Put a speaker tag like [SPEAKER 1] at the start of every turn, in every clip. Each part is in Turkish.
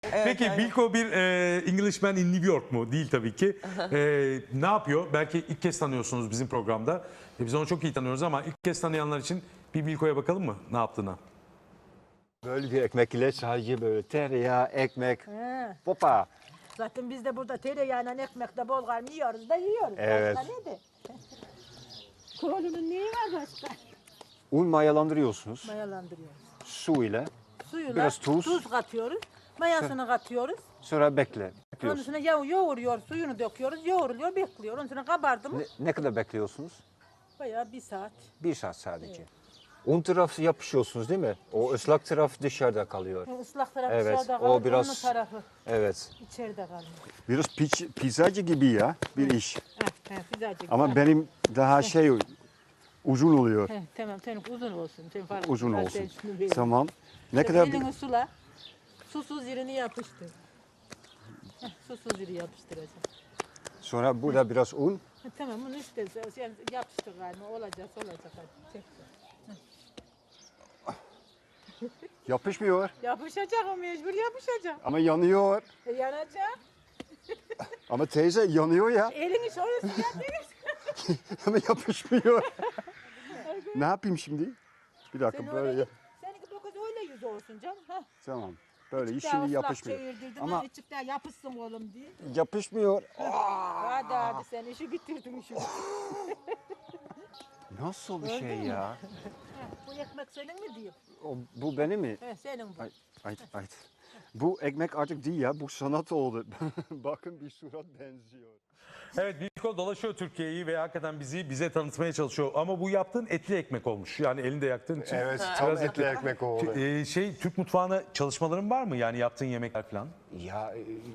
[SPEAKER 1] Peki
[SPEAKER 2] aynen.
[SPEAKER 1] Bilko bir Englishman in New York mu? Değil tabii ki. Ne yapıyor? Belki ilk kez tanıyorsunuz bizim programda. Biz onu çok iyi tanıyoruz ama ilk kez tanıyanlar için bir Bilko'ya bakalım mı ne yaptığına?
[SPEAKER 3] Böyle bir ekmek ile sadece böyle tereyağı, ekmek,
[SPEAKER 4] He.
[SPEAKER 3] popa.
[SPEAKER 4] Zaten biz de burada tereyağıyla ekmekle bolgar yiyoruz da yiyoruz.
[SPEAKER 3] Evet.
[SPEAKER 4] Başka ne de? Kolunun neyi var başka?
[SPEAKER 3] Un mayalandırıyorsunuz
[SPEAKER 4] Mayalandırıyoruz.
[SPEAKER 3] su ile.
[SPEAKER 4] Suyuna
[SPEAKER 3] Biraz tuz.
[SPEAKER 4] katıyoruz. Mayasını katıyoruz.
[SPEAKER 3] Sonra bekle.
[SPEAKER 4] Onun
[SPEAKER 3] Bekliyorsunuz.
[SPEAKER 4] üstüne yoğuruyor, suyunu döküyoruz, yoğruluyor, bekliyor. Onun üstüne kabardı mı?
[SPEAKER 3] Ne kadar bekliyorsunuz?
[SPEAKER 4] Bayağı bir saat.
[SPEAKER 3] 1 saat sadece. Un tarafı yapışıyorsunuz değil mi? O ıslak taraf dışarıda kalıyor.
[SPEAKER 4] Islak tarafı
[SPEAKER 3] Evet,
[SPEAKER 4] dışarıda
[SPEAKER 3] o
[SPEAKER 4] kalır,
[SPEAKER 3] biraz-
[SPEAKER 4] onun tarafı
[SPEAKER 3] Evet.
[SPEAKER 4] içeride kalır.
[SPEAKER 3] Biraz pizzacı gibi ya bir iş.
[SPEAKER 4] Pizzacık.
[SPEAKER 3] Ama benim daha uzun oluyor.
[SPEAKER 4] Tamam, senin uzun olsun. Sen fark
[SPEAKER 3] Uzun
[SPEAKER 4] etmez,
[SPEAKER 3] olsun.
[SPEAKER 4] sen şunu bil.
[SPEAKER 3] Tamam. Ne
[SPEAKER 4] Sen
[SPEAKER 3] kadar
[SPEAKER 4] elini sula, susuz yerini yapıştır. Susuz yeri yapıştıracaksın.
[SPEAKER 3] sonra burada biraz un.
[SPEAKER 4] Tamam, bunu işte sen yapıştır galiba. Olacak. Hadi çek.
[SPEAKER 3] Yapışmıyor
[SPEAKER 4] Yapışacak o mecbur yapışacak.
[SPEAKER 3] ama yanıyor.
[SPEAKER 4] Yanacak.
[SPEAKER 3] Ama teyze yanıyor ya.
[SPEAKER 4] Elini şöyle sıcak
[SPEAKER 3] Ama yapışmıyor. Ne yapayım şimdi? Bir dakika
[SPEAKER 4] Sen
[SPEAKER 3] böyle
[SPEAKER 4] öyle
[SPEAKER 3] yap.
[SPEAKER 4] seninki dokuz öyle yüz olsun canım. Ha.
[SPEAKER 3] Tamam. Böyle
[SPEAKER 4] Daha
[SPEAKER 3] şimdi
[SPEAKER 4] ıslak
[SPEAKER 3] yapışmıyor.
[SPEAKER 4] çevirdirdim
[SPEAKER 3] Ama
[SPEAKER 4] ama içikten yapışsın oğlum diye.
[SPEAKER 3] yapışmıyor.
[SPEAKER 4] Hadi sen işi bitirdin işi.
[SPEAKER 3] Nasıl bir
[SPEAKER 4] Gördün
[SPEAKER 3] şey
[SPEAKER 4] mü?
[SPEAKER 3] ya?
[SPEAKER 4] Bu ekmek senin mi diyeyim?
[SPEAKER 3] Bu benim mi?
[SPEAKER 4] Senin bu.
[SPEAKER 3] Ay. Bu ekmek artık değil ya. Bu sanat oldu. Bakın bir surat benziyor.
[SPEAKER 1] Evet Bilko dolaşıyor Türkiye'yi ve hakikaten bize tanıtmaya çalışıyor. Ama bu yaptığın etli ekmek olmuş. Yani elinde yaktığın için.
[SPEAKER 3] Evet,
[SPEAKER 1] biraz
[SPEAKER 3] tam etli ekmek oldu.
[SPEAKER 1] Türk mutfağına çalışmaların var mı? Yani yaptığın yemekler falan.
[SPEAKER 3] Ya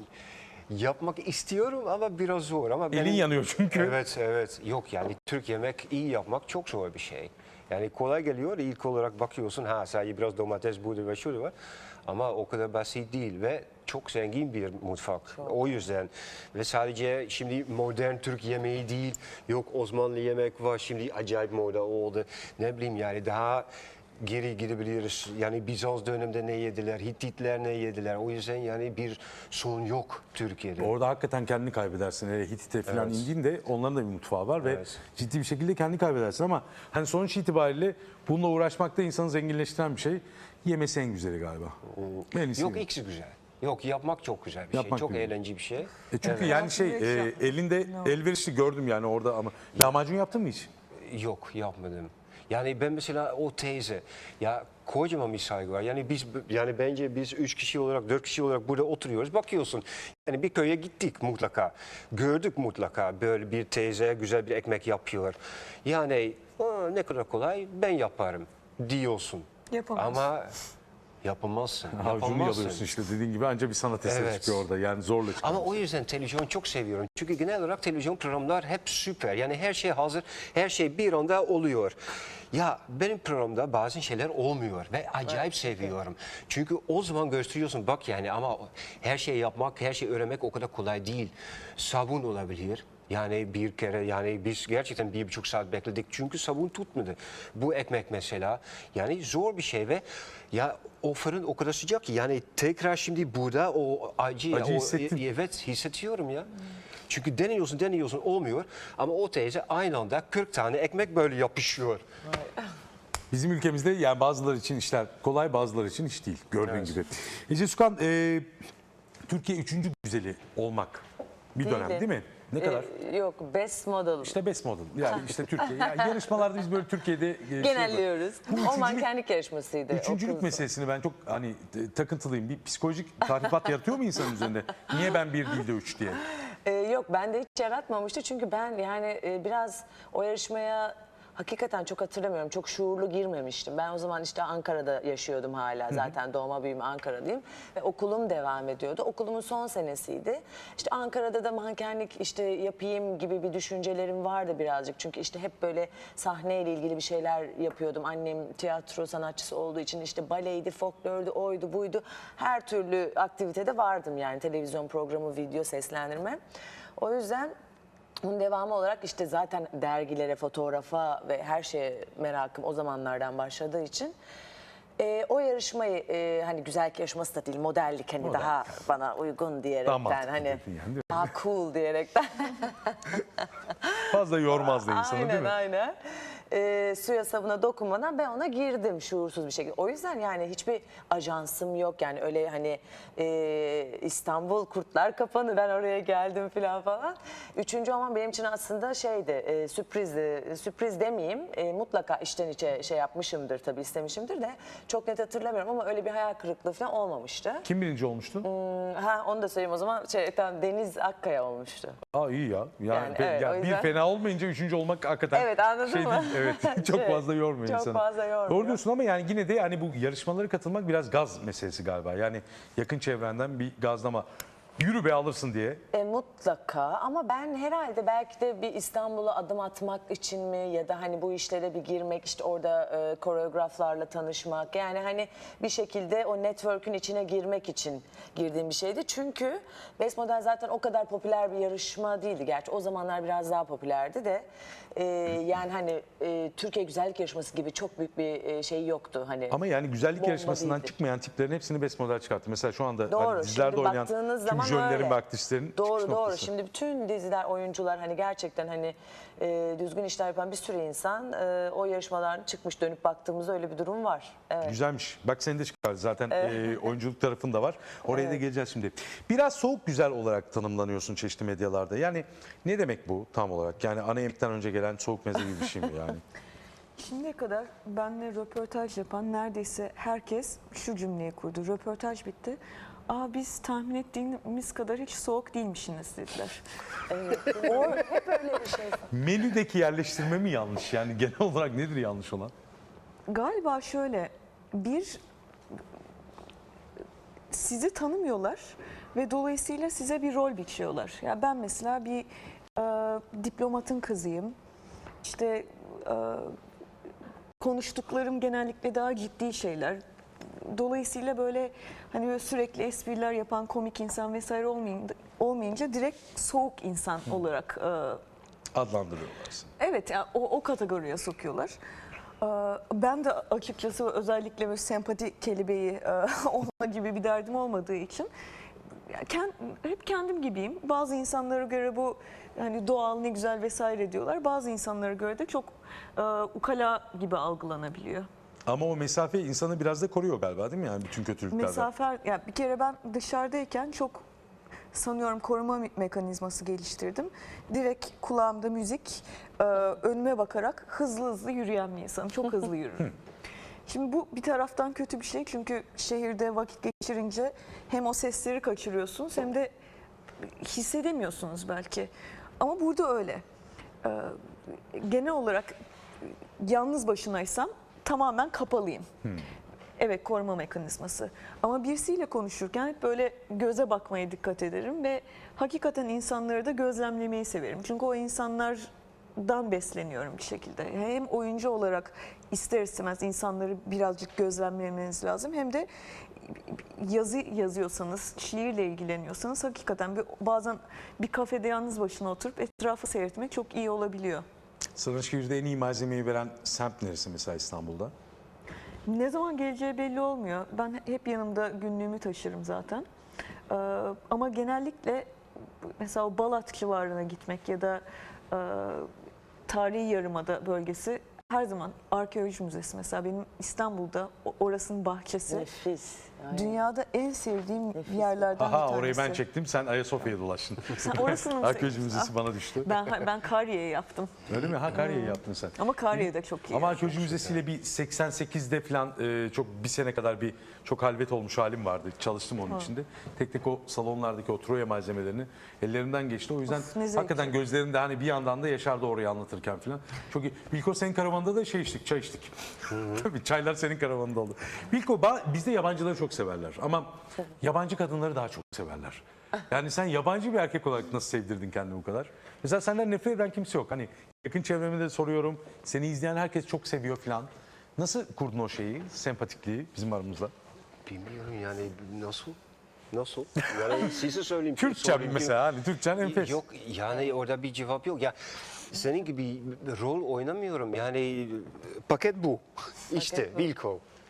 [SPEAKER 3] yapmak istiyorum ama biraz zor. Ama
[SPEAKER 1] Elin yanıyor çünkü.
[SPEAKER 3] Evet. Yok yani Türk yemek iyi yapmak çok zor bir şey. Yani kolay geliyor. İlk olarak bakıyorsun sadece biraz domates, budur ve şurada var. Ama o kadar basit değil ve çok zengin bir mutfak. O yüzden ve sadece şimdi modern Türk yemeği değil. Yok Osmanlı yemek var şimdi acayip moda oldu. Ne bileyim yani daha geri gidebiliriz. Yani Bizans döneminde ne yediler, Hittitler ne yediler. O yüzden yani bir sorun yok Türkiye'de.
[SPEAKER 1] Orada hakikaten kendini kaybedersin. Hele Hitit'e falan
[SPEAKER 3] Evet.
[SPEAKER 1] indiğinde onların da bir mutfağı var ve
[SPEAKER 3] Evet.
[SPEAKER 1] ciddi bir şekilde kendini kaybedersin ama hani sonuç itibariyle bununla uğraşmak da insanı zenginleştiren bir şey. Yemesi en güzeli galiba. En iyisi.
[SPEAKER 3] Yok ikisi güzel. Yok yapmak çok güzel bir
[SPEAKER 1] Yapmak
[SPEAKER 3] şey. Çok
[SPEAKER 1] güzel.
[SPEAKER 3] eğlenceli bir şey.
[SPEAKER 1] Çünkü yani elinde elverişli gördüm yani orada ama lahmacun yaptın mı hiç?
[SPEAKER 3] Yok yapmadım. Yani ben mesela o teyze ya kocaman bir saygı var. Yani bence biz 3 kişi olarak 4 kişi olarak burada oturuyoruz. Bakıyorsun yani bir köye gittik mutlaka. Gördük mutlaka böyle bir teyze güzel bir ekmek yapıyor. Yani ne kadar kolay ben yaparım diyorsun.
[SPEAKER 2] Yapamazsın.
[SPEAKER 3] Ama yapamazsın.
[SPEAKER 1] Avucunu
[SPEAKER 3] Yapamazsın.
[SPEAKER 1] yalıyorsun işte dediğin gibi anca bir sanat eseri
[SPEAKER 3] Evet.
[SPEAKER 1] çıkıyor orada yani zorla çıkıyor.
[SPEAKER 3] Ama o yüzden televizyon çok seviyorum. Çünkü genel olarak televizyon programlar hep süper. Yani her şey hazır, her şey bir anda oluyor. Ya benim programda bazı şeyler olmuyor ve acayip seviyorum. Çünkü o zaman gösteriyorsun bak yani ama her şeyi yapmak, her şeyi öğrenmek o kadar kolay değil. Sabun olabilir. Yani bir kere yani biz gerçekten 1,5 saat bekledik çünkü sabun tutmadı. Bu ekmek mesela yani zor bir şey ve ya o fırın o kadar sıcak ki yani tekrar şimdi burada o acı
[SPEAKER 1] hissettin.
[SPEAKER 3] evet hissediyorum ya. Çünkü deniyorsun olmuyor ama o teyze aynı anda 40 tane ekmek böyle yapışıyor.
[SPEAKER 1] Bizim ülkemizde yani bazıları için işler kolay bazıları için iş değil gördüğün gibi. Ece Sükan Türkiye 3. güzeli olmak bir dönem değil mi? Ne kadar?
[SPEAKER 2] Yok, best model.
[SPEAKER 1] İşte best model. Yani işte Türkiye. Yani yarışmalarda biz böyle Türkiye'de
[SPEAKER 2] Genelliyoruz.
[SPEAKER 1] Bu
[SPEAKER 2] O
[SPEAKER 1] üçüncülük-
[SPEAKER 2] mankenlik yarışmasıydı. o
[SPEAKER 1] Üçüncülük
[SPEAKER 2] kız.
[SPEAKER 1] meselesini ben çok hani takıntılıyım. Bir psikolojik tahribat yaratıyor mu insanın üzerinde? Niye ben bir değil de üç diye?
[SPEAKER 2] Yok, bende hiç yaratmamıştı. Çünkü ben yani biraz o yarışmaya hakikaten çok hatırlamıyorum. Çok şuurlu girmemiştim. Ben o zaman işte Ankara'da yaşıyordum hala. Zaten doğma büyüme Ankara'lıyım. Ve okulum devam ediyordu. Okulumun son senesiydi. İşte Ankara'da da mankenlik işte yapayım gibi bir düşüncelerim vardı birazcık. Çünkü işte hep böyle sahneyle ilgili bir şeyler yapıyordum. Annem tiyatro sanatçısı olduğu için işte baleydi, folklördü, oydu, buydu. Her türlü aktivitede vardım yani. Televizyon programı, video, seslendirme. O yüzden bunun devamı olarak işte zaten dergilere, fotoğrafa ve her şeye merakım o zamanlardan başladığı için O yarışmayı hani güzellik yarışması da değil, modellik hani
[SPEAKER 1] Model.
[SPEAKER 2] daha bana uygun diyerekten
[SPEAKER 1] Daha mantıklı
[SPEAKER 2] hani
[SPEAKER 1] dedin yani, değil mi?
[SPEAKER 2] daha cool diyerekten.
[SPEAKER 1] Fazla yormaz da insanı değil
[SPEAKER 2] Aynen
[SPEAKER 1] mi?
[SPEAKER 2] aynen. Suya sabuna dokunmadan ben ona girdim şuursuz bir şekilde. O yüzden yani hiçbir ajansım yok yani öyle hani İstanbul Kurtlar Kapanı ben oraya geldim falan. Üçüncü olmam benim için aslında şeydi sürprizdi. Sürpriz demeyeyim mutlaka içten içe şey yapmışımdır tabii istemişimdir de çok net hatırlamıyorum ama öyle bir hayal kırıklığı falan olmamıştı.
[SPEAKER 1] Kim birinci olmuştu?
[SPEAKER 2] Onu da söyleyeyim o zaman tamam, Deniz Akkaya olmuştu.
[SPEAKER 1] Aa iyi ya.
[SPEAKER 2] Yani evet,
[SPEAKER 1] ya
[SPEAKER 2] o
[SPEAKER 1] bir
[SPEAKER 2] yüzden-
[SPEAKER 1] fena olmayınca üçüncü olmak hakikaten
[SPEAKER 2] Evet, anladın
[SPEAKER 1] şey
[SPEAKER 2] mı?
[SPEAKER 1] değil. Evet. Çok
[SPEAKER 2] Evet,
[SPEAKER 1] fazla yormuyor
[SPEAKER 2] çok
[SPEAKER 1] insanı.
[SPEAKER 2] fazla yormuyor.
[SPEAKER 1] Doğru diyorsun ama yani yine de yani bu yarışmalara katılmak biraz gaz meselesi galiba. Yani yakın çevrenden bir gazlama. Yürü be alırsın diye.
[SPEAKER 2] Mutlaka ama ben herhalde belki de bir İstanbul'a adım atmak için mi ya da hani bu işlere bir girmek işte orada koreograflarla tanışmak yani hani bir şekilde o network'ün içine girmek için girdiğim bir şeydi. Çünkü Best Model zaten o kadar popüler bir yarışma değildi. Gerçi o zamanlar biraz daha popülerdi de yani hani Türkiye Güzellik Yarışması gibi çok büyük bir şey yoktu. Hani
[SPEAKER 1] Ama yani güzellik
[SPEAKER 2] bomba
[SPEAKER 1] yarışmasından
[SPEAKER 2] değildi.
[SPEAKER 1] çıkmayan tiplerin hepsini best model çıkarttı. Mesela şu anda
[SPEAKER 2] Doğru,
[SPEAKER 1] hani dizilerde
[SPEAKER 2] şimdi
[SPEAKER 1] oynayan
[SPEAKER 2] baktığınız
[SPEAKER 1] tüm
[SPEAKER 2] zaman
[SPEAKER 1] jönlerin
[SPEAKER 2] öyle.
[SPEAKER 1] ve aktrislerin çıkış
[SPEAKER 2] Doğru
[SPEAKER 1] noktası.
[SPEAKER 2] Şimdi bütün diziler, oyuncular hani gerçekten hani düzgün işler yapan bir sürü insan o yarışmadan çıkmış dönüp baktığımızda öyle bir durum var. Evet.
[SPEAKER 1] Güzelmiş. Bak seni de çıkar. Zaten oyunculuk tarafında var. Oraya da geleceğiz şimdi. Biraz soğuk güzel olarak tanımlanıyorsun çeşitli medyalarda. Yani ne demek bu tam olarak? Yani ana yemekten önce gelen soğuk meze gibi bir şey mi yani?
[SPEAKER 5] Şimdiye kadar benimle röportaj yapan neredeyse herkes şu cümleyi kurdu. Röportaj bitti. Aa biz tahmin ettiğimiz kadar hiç soğuk değilmişsiniz dediler.
[SPEAKER 2] Hep öyle bir şey.
[SPEAKER 1] Menüdeki yerleştirme mi yanlış? Yani genel olarak nedir yanlış olan?
[SPEAKER 5] Galiba şöyle bir sizi tanımıyorlar ve dolayısıyla size bir rol biçiyorlar. Ya ben mesela bir diplomatın kızıyım. İşte konuştuklarım genellikle daha ciddi şeyler. Dolayısıyla böyle hani böyle sürekli espriler yapan komik insan vesaire olmayınca direkt soğuk insan olarak
[SPEAKER 1] Adlandırıyorlar seni.
[SPEAKER 5] evet yani o kategoriye sokuyorlar. Ben de açıkçası özellikle böyle sempati kelebeği olma gibi bir derdim olmadığı için hep kendim gibiyim. Bazı insanlara göre bu hani doğal ne güzel vesaire diyorlar. Bazı insanlara göre de çok ukala gibi algılanabiliyor.
[SPEAKER 1] Ama o mesafe insanı biraz da koruyor galiba değil mi? Yani bütün kötülüklerden.
[SPEAKER 5] Mesafe, ya bir kere ben dışarıdayken çok sanıyorum koruma mekanizması geliştirdim. Direkt kulağımda müzik, önüme bakarak hızlı hızlı yürüyen bir insanım. Çok hızlı yürürüm. Şimdi bu bir taraftan kötü bir şey çünkü şehirde vakit geçirince hem o sesleri kaçırıyorsunuz hem de hissedemiyorsunuz belki. Ama burada öyle. Genel olarak yalnız başınaysam tamamen kapalıyım. Evet, koruma mekanizması. Ama birisiyle konuşurken hep böyle göze bakmaya dikkat ederim ve hakikaten insanları da gözlemlemeyi severim. Çünkü o insanlardan besleniyorum bir şekilde. Hem oyuncu olarak ister istemez insanları birazcık gözlemlemeniz lazım. Hem de yazı yazıyorsanız, şiirle ilgileniyorsanız hakikaten bazen bir kafede yalnız başına oturup etrafı seyretmek çok iyi olabiliyor.
[SPEAKER 1] Sana şehirde en iyi malzemeyi veren semt neresi mesela İstanbul'da?
[SPEAKER 5] Ne zaman geleceği belli olmuyor. Ben hep yanımda günlüğümü taşırım zaten. Ama genellikle mesela o Balat civarına gitmek ya da Tarihi Yarımada bölgesi her zaman arkeoloji müzesi mesela benim İstanbul'da orasının bahçesi.
[SPEAKER 2] Nefis. Aynen.
[SPEAKER 5] Dünyada en sevdiğim yerlerden
[SPEAKER 1] Aha
[SPEAKER 5] bir tanesi.
[SPEAKER 1] orayı ben çektim sen Ayasofya'ya dolaştın.
[SPEAKER 5] Sen orasını mı
[SPEAKER 1] Arkeoloji
[SPEAKER 5] seçtin?
[SPEAKER 1] Müzesi bana düştü.
[SPEAKER 5] Ben Karye'yi yaptım.
[SPEAKER 1] Öyle mi? Ha Karya'yı yaptın sen.
[SPEAKER 5] Ama Karye de çok iyi.
[SPEAKER 1] Ama Arkeoloji Müzesi'yle bir 88'de falan çok bir sene kadar bir çok halvet olmuş halim vardı. Çalıştım onun içinde. Tek tek o salonlardaki o Troya malzemelerini ellerimden geçti. O yüzden
[SPEAKER 5] Of, ne zevkli.
[SPEAKER 1] hakikaten gözlerimde hani bir yandan da yaşardı orayı anlatırken falan. Çok iyi. Bilko senin karavanda da şey içtik, çay içtik. Tabii çaylar senin karavanında oldu. Bilko bizde yabancıları çok severler ama yabancı kadınları daha çok severler. Yani sen yabancı bir erkek olarak nasıl sevdirdin kendini bu kadar? Mesela senden nefret eden kimse yok. Hani yakın çevremde de soruyorum. Seni izleyen herkes çok seviyor falan. Nasıl kurdun o şeyi, sempatikliği bizim aramızda?
[SPEAKER 3] Bilmiyorum yani nasıl? Yani size söyleyeyim.
[SPEAKER 1] Türkçe
[SPEAKER 3] sorayım.
[SPEAKER 1] mesela hani Türkçen enfes.
[SPEAKER 3] Yok yani orada bir cevap yok. Ya senin gibi rol oynamıyorum. Yani paket bu. İşte Wilco.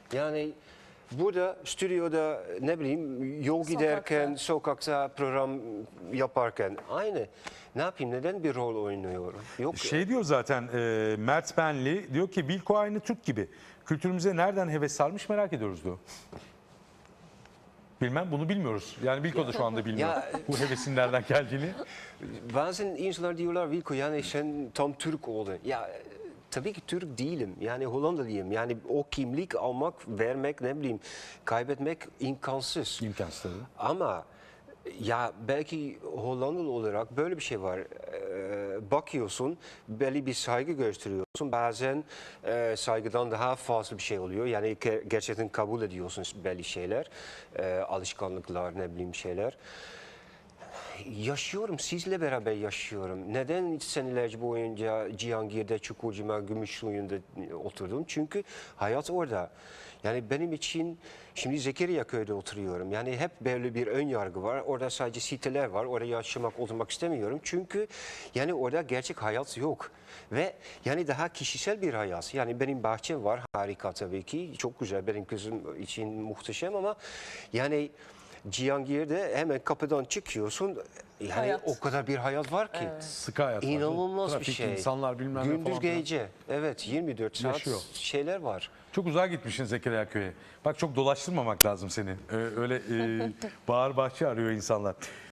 [SPEAKER 3] Yani burada stüdyoda ne bileyim yol giderken, sokakta program yaparken aynı. Ne yapayım, neden bir rol oynuyorum? Yok.
[SPEAKER 1] Şey diyor zaten Mert Benli, diyor ki Wilco aynı Türk gibi. Kültürümüze nereden heves sarmış merak ediyoruz diyor. Bilmem, bunu bilmiyoruz. Yani Wilco da şu anda bilmiyor
[SPEAKER 3] Ya-
[SPEAKER 1] bu hevesin nereden geldiğini.
[SPEAKER 3] Bazen insanlar diyorlar Wilco yani sen tam Türk oldun. Ya tabii ki Türk değilim. Yani Hollandalıyım. Yani o kimlik almak, vermek, ne bileyim kaybetmek imkansız.
[SPEAKER 1] İmkansız tabii.
[SPEAKER 3] Ama ya belki Hollandalı olarak böyle bir şey var. Bakıyorsun, belli bir saygı gösteriyorsun. Bazen saygıdan daha fazla bir şey oluyor. Yani gerçekten kabul ediyorsun belli şeyler. Alışkanlıklar, ne bileyim şeyler. Yaşıyorum, sizle beraber yaşıyorum. Neden senelerce boyunca Cihangir'de, Çukurcuma, Gümüşsuyu'nda oturdum? Çünkü hayat orada. Yani benim için, şimdi Zekeriyaköy'de oturuyorum. Yani hep böyle bir ön yargı var. Orada sadece siteler var. Orada yaşamak, oturmak istemiyorum. Çünkü yani orada gerçek hayat yok. Ve yani daha kişisel bir hayat. Yani benim bahçem var, harika tabii ki. Çok güzel, benim kızım için muhteşem ama yani Cihangir'de hemen kapıdan çıkıyorsun. Yani
[SPEAKER 2] Hayat.
[SPEAKER 3] o kadar bir hayat var ki.
[SPEAKER 1] Sıkı hayat var.
[SPEAKER 3] İnanılmaz bir
[SPEAKER 1] Trafik,
[SPEAKER 3] şey.
[SPEAKER 1] insanlar bilmem ne
[SPEAKER 3] Gündüz
[SPEAKER 1] falan filan.
[SPEAKER 3] gece. Evet, 24 saat
[SPEAKER 1] Yaşıyor.
[SPEAKER 3] şeyler var.
[SPEAKER 1] Çok uzağa gitmişsin Zekeriya Köy'e. Bak çok dolaştırmamak lazım seni. Öyle bağır bahçe arıyor insanlar.